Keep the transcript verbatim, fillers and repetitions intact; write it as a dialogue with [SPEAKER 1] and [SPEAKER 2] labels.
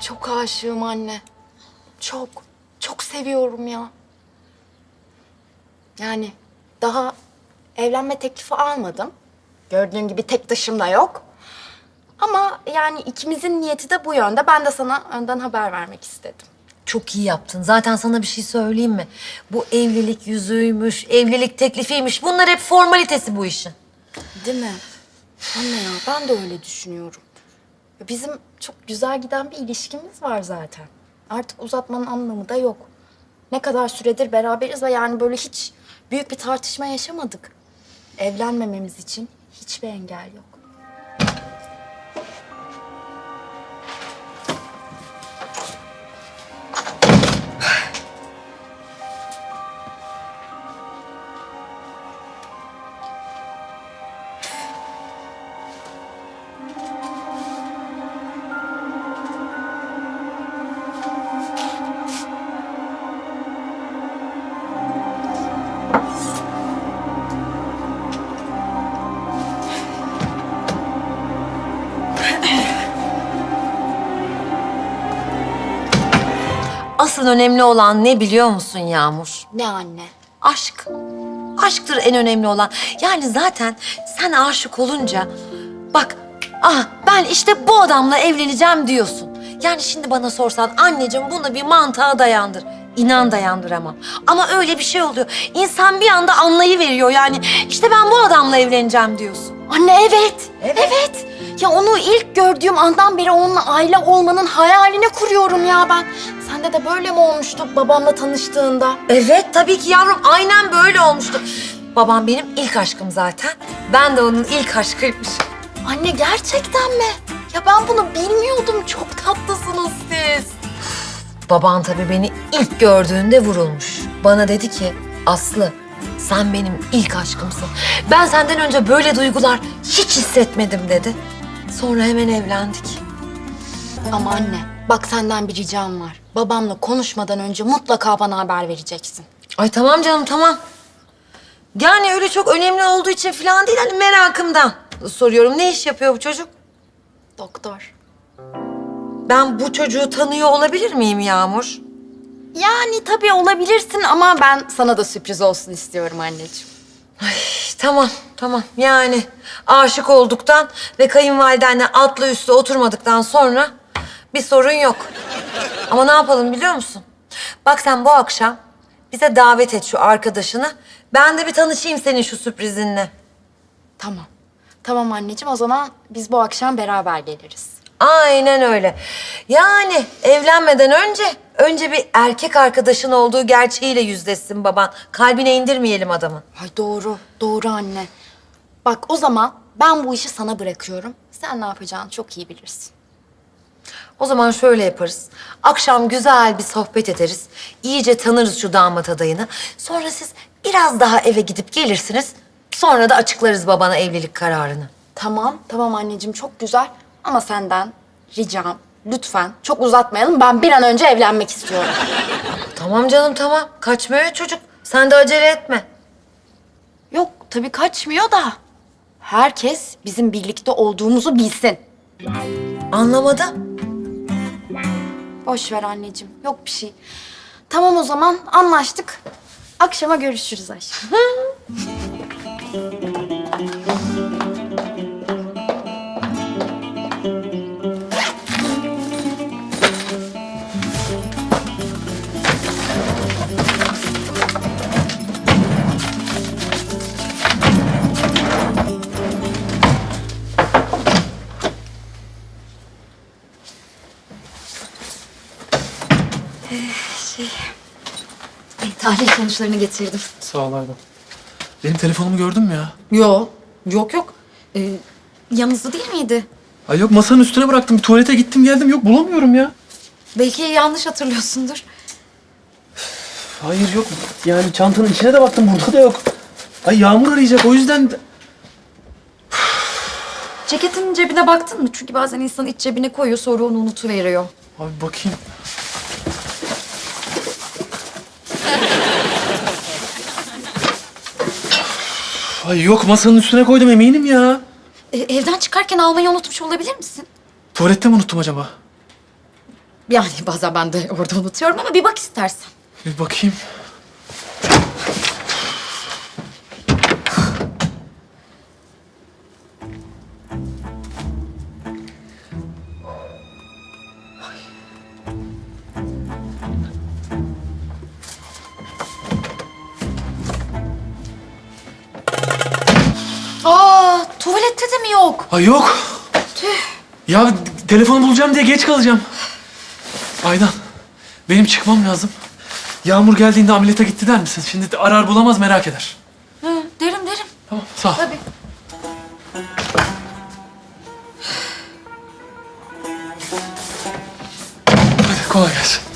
[SPEAKER 1] Çok aşığım anne. Çok, çok seviyorum ya. Yani daha evlenme teklifi almadım. Gördüğün gibi tek taşım da yok. Ama yani ikimizin niyeti de bu yönde. Ben de sana önden haber vermek istedim.
[SPEAKER 2] Çok iyi yaptın. Zaten sana bir şey söyleyeyim mi? Bu evlilik yüzüğüymüş, evlilik teklifiymiş. Bunlar hep formalitesi bu işin.
[SPEAKER 1] Değil mi? Anne ya ben de öyle düşünüyorum. Bizim çok güzel giden bir ilişkimiz var zaten. Artık uzatmanın anlamı da yok. Ne kadar süredir beraberiz ve yani böyle hiç büyük bir tartışma yaşamadık. Evlenmememiz için hiçbir engel yok.
[SPEAKER 2] Asıl önemli olan ne biliyor musun Yağmur?
[SPEAKER 1] Ne anne?
[SPEAKER 2] Aşk. Aşktır en önemli olan. Yani zaten sen aşık olunca bak, ah ben işte bu adamla evleneceğim diyorsun. Yani şimdi bana sorsan anneciğim bunu bir mantığa dayandır. İnan dayandıramam. Ama öyle bir şey oluyor. İnsan bir anda anlayıveriyor yani. İşte ben bu adamla evleneceğim diyorsun.
[SPEAKER 1] Anne evet, evet. Ya onu ilk gördüğüm andan beri onunla aile olmanın hayalini kuruyorum ya ben. Sende de böyle mi olmuştu babamla tanıştığında?
[SPEAKER 2] Evet tabii ki yavrum, aynen böyle olmuştu. Babam benim ilk aşkım zaten. Ben de onun ilk aşkıymışım.
[SPEAKER 1] Anne gerçekten mi? Ya ben bunu bilmiyordum. Çok tatlısınız siz.
[SPEAKER 2] Baban tabii beni ilk gördüğünde vurulmuş. Bana dedi ki, Aslı sen benim ilk aşkımsın. Ben senden önce böyle duygular hiç hissetmedim dedi. Sonra hemen evlendik.
[SPEAKER 1] Ama anne bak senden bir ricam var. Babamla konuşmadan önce mutlaka bana haber vereceksin.
[SPEAKER 2] Ay tamam canım tamam. Yani öyle çok önemli olduğu için falan değil, hani merakımdan soruyorum. Ne iş yapıyor bu çocuk?
[SPEAKER 1] Doktor.
[SPEAKER 2] Ben bu çocuğu tanıyor olabilir miyim Yağmur?
[SPEAKER 1] Yani tabii olabilirsin ama ben sana da sürpriz olsun istiyorum anneciğim.
[SPEAKER 2] Ay, tamam, tamam. Yani aşık olduktan ve kayınvalidenle atlı üstü oturmadıktan sonra bir sorun yok. Ama ne yapalım biliyor musun? Bak sen bu akşam bize davet et şu arkadaşını. Ben de bir tanışayım senin şu sürprizinle.
[SPEAKER 1] Tamam. Tamam anneciğim o zaman biz bu akşam beraber geliriz.
[SPEAKER 2] Aynen öyle. Yani evlenmeden önce, önce bir erkek arkadaşın olduğu gerçeğiyle yüzleşsin baban. Kalbine indirmeyelim adamın.
[SPEAKER 1] Ay doğru, doğru anne. Bak o zaman ben bu işi sana bırakıyorum. Sen ne yapacağını çok iyi bilirsin.
[SPEAKER 2] O zaman şöyle yaparız. Akşam güzel bir sohbet ederiz. İyice tanırız şu damat adayını. Sonra siz biraz daha eve gidip gelirsiniz. Sonra da açıklarız babana evlilik kararını.
[SPEAKER 1] Tamam, tamam anneciğim çok güzel. Ama senden ricam lütfen çok uzatmayalım. Ben bir an önce evlenmek istiyorum.
[SPEAKER 2] Tamam canım tamam. Kaçmıyor çocuk. Sen de acele etme.
[SPEAKER 1] Yok tabii kaçmıyor da. Herkes bizim birlikte olduğumuzu bilsin.
[SPEAKER 2] Anlamadım.
[SPEAKER 1] Boş ver anneciğim. Yok bir şey. Tamam o zaman anlaştık. Akşama görüşürüz aşkım. Şey, tahlil sonuçlarını getirdim.
[SPEAKER 3] Sağ ol Aydan. Benim telefonumu gördün mü ya?
[SPEAKER 1] Yok, yok yok. Ee, yanınızda değil miydi?
[SPEAKER 3] Ay yok, masanın üstüne bıraktım. Bir tuvalete gittim geldim. Yok, bulamıyorum ya.
[SPEAKER 1] Belki yanlış hatırlıyorsundur.
[SPEAKER 3] Hayır yok. Yani çantanın içine de baktım. Burada da yok. Ay Yağmur arayacak. O yüzden...
[SPEAKER 1] Ceketin cebine baktın mı? Çünkü bazen insan iç cebine koyuyor sonra onu unutuveriyor.
[SPEAKER 3] Abi bakayım. Ay yok, masanın üstüne koydum eminim ya.
[SPEAKER 1] Ee, evden çıkarken almayı unutmuş olabilir misin?
[SPEAKER 3] Tuvalette mi unuttum acaba?
[SPEAKER 1] Yani bazen ben de orada unutuyorum ama bir bak istersen.
[SPEAKER 3] Bir bakayım.
[SPEAKER 1] Aa, tuvalette de mi yok?
[SPEAKER 3] Ay yok. Ya telefonu bulacağım diye geç kalacağım. Aydan, benim çıkmam lazım. Yağmur geldiğinde ameliyata gitti der misin? Şimdi arar bulamaz merak eder.
[SPEAKER 1] Hı, derim derim.
[SPEAKER 3] Tamam, sağ ol.
[SPEAKER 1] Tabii.
[SPEAKER 3] Hadi kolay gelsin.